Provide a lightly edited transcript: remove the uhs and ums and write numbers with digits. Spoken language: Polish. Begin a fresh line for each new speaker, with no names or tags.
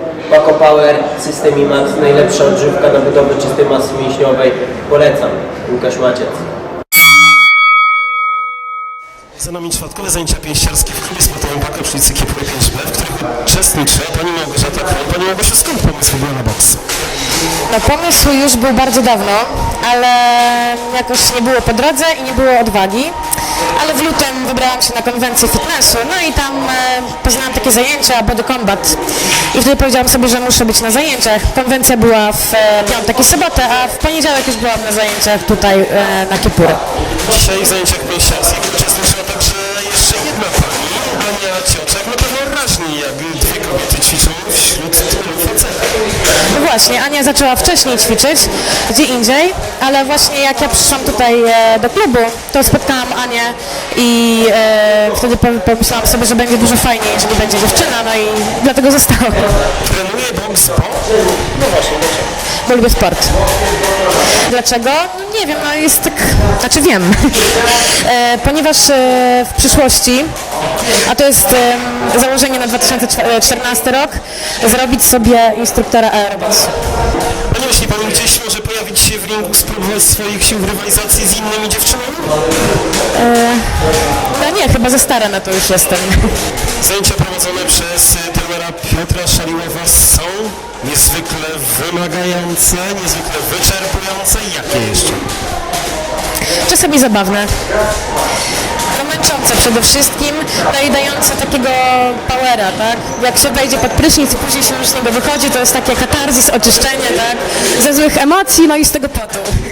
Paco Power, System IMAX, najlepsza odżywka na budowę czystej masy mięśniowej. Polecam. Łukasz Maciec.
Za nami czwartkowe zajęcia pięściarskie w klubie sportowym Paco przy ulicy Kiepury 5B, w których uczestniczy pani Małgorzata Król. Pani Małgorzata, skąd pomysł w ogóle na boks?
No pomysł już był bardzo dawno, ale jakoś nie było po drodze i nie było odwagi. Ale w lutym wybrałam się na konwencję fitnessu, no i tam poznałam takie zajęcia Body Combat. I wtedy powiedziałam sobie, że muszę być na zajęciach. Konwencja była w piątek i sobotę, a w poniedziałek już byłam na zajęciach tutaj na Kiepury.
Dzisiaj w zajęciach pięściarskich uczestniczyła także jeszcze jedna pani, Ania Cioczek. Na pewno raźniej, jak dwie kobiety ćwiczą wśród tylu facetów.
No właśnie, Ania zaczęła wcześniej ćwiczyć, gdzie indziej, ale właśnie jak ja przyszłam tutaj do klubu, to spotkałam Anię i wtedy pomyślałam sobie, że będzie dużo fajniej, jeżeli będzie dziewczyna, no i dlatego zostałam.
Trenuje boks, bo?
No właśnie, dlaczego?
Bo lubię sport. Dlaczego? No nie wiem, no jest tak, znaczy wiem. Ponieważ w przyszłości, a to jest założenie na 2014 rok, zrobić sobie instruktora aerobics.
A nie myśli pani, gdzieś może pojawić się w ringu, spróbować swoich sił w rywalizacji z innymi dziewczynami?
No nie, chyba za stara na to już jestem.
Zajęcia prowadzone przez trenera Piotra Szaliłowa są niezwykle wymagające, niezwykle wyczerpujące. Jakie jeszcze?
Czasami zabawne. No męczące przede wszystkim, no i dające takiego powera, tak? Jak się wejdzie pod prysznic i później się już z niego wychodzi, to jest takie katarzis, oczyszczenie, tak? Ze złych emocji, no i z tego potu.